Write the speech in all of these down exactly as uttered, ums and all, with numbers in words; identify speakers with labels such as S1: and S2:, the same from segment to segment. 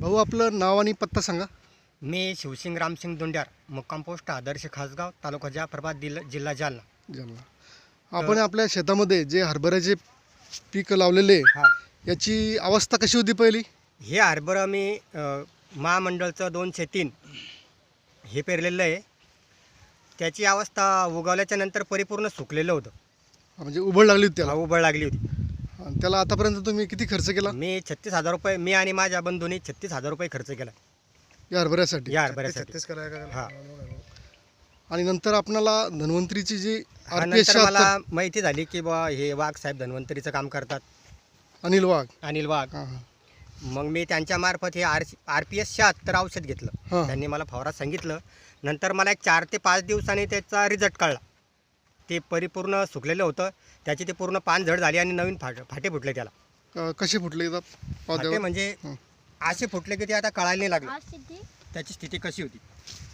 S1: भाऊ आपलं नाव आणि पत्ता सांगा.
S2: मी शिवसिंग रामसिंग दुंड्यार, मुक्काम पोस्ट आदर्श खासगाव, तालुका जाफराबाद, जिल्हा जिल्हा जालना.
S1: जालना. आपण आपल्या शेतामध्ये जे हरभऱ्याचे पीक लावलेले
S2: हा,
S1: याची अवस्था कशी होती पहिली?
S2: हे हरभरा मी अ, महामंडळचं दोनशे तीन हे पेरलेलं आहे. त्याची अवस्था उगवल्याच्या नंतर परिपूर्ण सुकलेलं होतं.
S1: हा, म्हणजे उबळ लागली होती त्याला.
S2: हा, उबळ लागली होती.
S1: आणि त्याला आतापर्यंत तुम्ही किती खर्च केला
S2: मी छत्तीस हजार रुपये मी आणि माझ्या बंधूंनी छत्तीस हजार रुपये खर्च केला
S1: या हरभऱ्यासाठी?
S2: या हरभऱ्यासाठी. हा.
S1: आणि नंतर आपणाला धन्वंतरीची जी
S2: हा,
S1: आर पी एस
S2: नंतर मला माहिती झाली की बा हे वाघ साहेब धन्वंतरीचं काम करतात,
S1: अनिल वाघ.
S2: अनिल वाघ.
S1: हां हां
S2: मग मी त्यांच्या मार्फत हे आर आर पी एस शहात्तर औषध घेतलं.
S1: हां.
S2: त्यांनी मला फवारा सांगितलं. नंतर मला एक चार ते पाच दिवसांनी त्याचा रिझल्ट कळला. ते परिपूर्ण सुकलेलं होतं. त्याची ते पूर्ण पान झड झाली आणि नवीन फाट फाटे फुटले त्याला.
S1: अ, कसे फुटले येतात
S2: फाटे
S1: पावत्यावर?
S2: म्हणजे
S1: हं.
S2: असे फुटले की ते आता कळायला नाही लागले त्याची स्थिती कशी होती.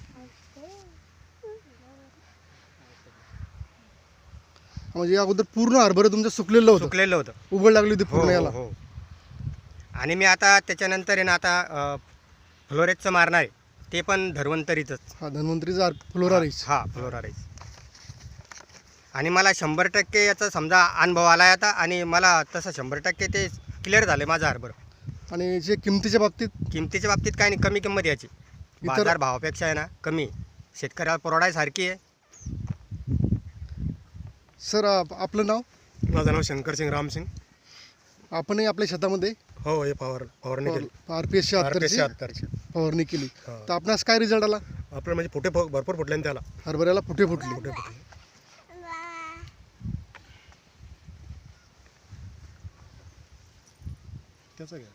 S1: म्हणजे या अगोदर पूर्ण हरभरं तुमचं सुकलेलं होतं,
S2: सुकलेलं होतं.
S1: उबळ लागली होती
S2: हो
S1: पूर्ण
S2: हो
S1: याला.
S2: हो. आणि मी आता त्याच्यानंतर आहे ना आता अ, फ्लोरेजचं मारणार आहे. ते पण धन्वंतरीचंच.
S1: हा, धन्वंतरीचा आर फ्लोरा राईस.
S2: हा, फ्लोरा राईस. आणि मला शंभर टक्के याचा समजा अनुभव आला आहे आता. आणि मला तसं शंभर टक्के ते क्लिअर झालं माझं हरभरं.
S1: आणि जे किमतीच्या बाबतीत
S2: किमतीच्या बाबतीत काय नाही, कमी किंमत याची. बाजार भावापेक्षा आहे ना कमी. शेतकऱ्याला परवडायसारखी आहे.
S1: सर आप- आपलं नाव?
S3: माझं नाव शंकरसिंग रामसिंग.
S1: आपणही आपल्या शेतामध्ये
S3: हो, हे पवार फवारणी केली.
S1: आर पी एस शहात्तरची
S3: शहात्तरची
S1: फवारणी केली.
S3: हा.
S1: तर आपणास काय रिझल्ट आला?
S3: आपलं म्हणजे फुटे भ- भरपूर फुटले ना त्याला.
S1: हरभऱ्याला फुटे फुटले.
S3: फुटे फुटले. त्याचं काय?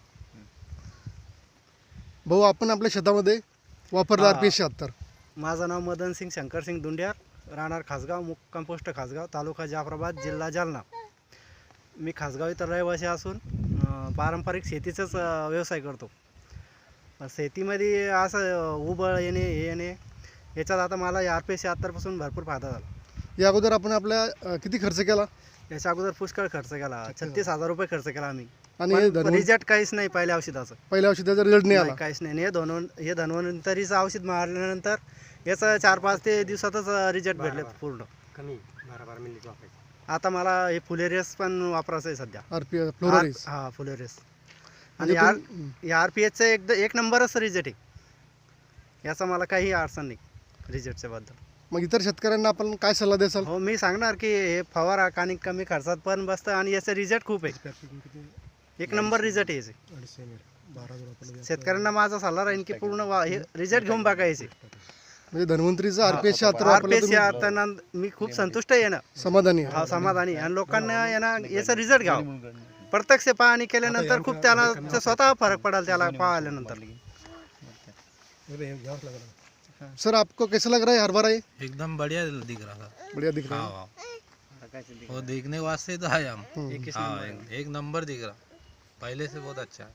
S1: भाऊ आपण आपल्या शेतामध्ये वापरलं आर पी एस शहात्तर.
S4: माझं नाव मदन सिंग शंकरसिंग दुंड्यार, राहणार खासगाव, मुक्काम पोस्ट खासगाव, तालुका जाफराबाद, जिल्हा जालना. मी खासगाव इथं रहिवासी असून अं, पारंपरिक शेतीचाच अं, व्यवसाय करतो. पण शेतीमध्ये असं अं, उबळ येणे हे येणे याच्यात आता मला या आर पी एस शहात्तरपासून भरपूर फायदा झाला.
S1: या अगोदर आपण आपल्या अ, किती खर्च केला?
S4: याच्या अगोदर पुष्कळ खर्च केला, छत्तीस हजार रुपये खर्च केला आम्ही.
S1: आणि हे धन्व
S4: रिझल्ट काहीच नाही पहिल्या औषधाचं.
S1: पहिल्या औषधाचा रिझल्ट नाही आला.
S4: नाही, काहीच नाही. हे धन्वन हे धन्वंतरीचं औषध मारल्यानंतर याचं चार पाच ते दिवसातच रिझल्ट भेटले पूर्ण.
S2: कमी बारा बारा मिनिट वापरायचं.
S4: आता मला हे फुलेरियस पण वापरायचं आहे सध्या.
S1: R P S Flora rice.
S4: हा, फुलेरियस.
S1: म्हणजे
S4: आणि
S1: तुम-
S4: या आर पी एचचं एक एक नंबरच रिझल्ट आहे. याचा मला काही अडचण नाही रिझल्टच्या बद्दल.
S1: मग इतर शेतकऱ्यांना आपण काय सल्ला द्याल?
S4: हो, मी सांगणार की हे फवारा आणि कमी खर्चात पण बसतं आणि याचा रिझल्ट खूप आहे.
S3: पॅकिंग किती?
S4: एक नंबर रिझल्ट आहे याचे.
S3: अडीचशे एम एल. बारा हजार रुपये.
S4: शेतकऱ्यांना माझा सल्ला राहील की पूर्ण वा- हे रिझल्ट घेऊन बघायचे.
S1: म्हणजे धन्वंतरीचा आर पी एस शहात्तर
S4: आर पी
S1: वापरला
S4: एस
S1: तुम्ही
S4: आता मी खूप संतुष्ट आहे ना.
S1: समाधानी आहे?
S4: हा, समाधानी. आणि लोकांना यांना याचा रिझल्ट घ्यावा. प्रत्यक्ष पाहणी केल्यानंतर खूप त्याला ते स्वतः फरक पडाल त्याला पाहिल्यानंतर.
S3: हे बघ, हे घ्यावंच लागेल.
S1: सर आपको कैसा लग रहा है हरभरा? ये
S5: एकदम बढ़िया दिख रहा था।
S1: बढ़िया दिख रहा है.
S5: हाँ, वो देखने वास्ते तो है हम।
S1: हम्म.
S5: हाँ, एक, एक नंबर दिख रहा, पहले से बहुत अच्छा है।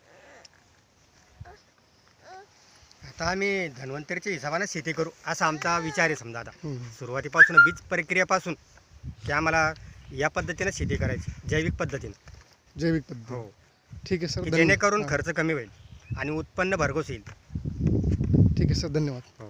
S2: आता आम्ही धन्वंतरीच्या हिशोबाने शेती करू असा आमचा विचार आहे. समजा आता
S1: हम्म.
S2: सुरुवातीपासून बीज प्रक्रियेपासून की आम्हाला या पद्धतीने शेती करायची, जैविक पद्धतीने.
S1: जैविक पद्धती.
S2: हो,
S1: ठीक आहे सर.
S2: की
S1: धन्यवाद.
S2: जेणेकरून
S1: हा.
S2: खर्च कमी होईल आणि उत्पन्न भरघोस येईल.
S1: ठीक आहे सर, धन्यवाद.
S2: हो.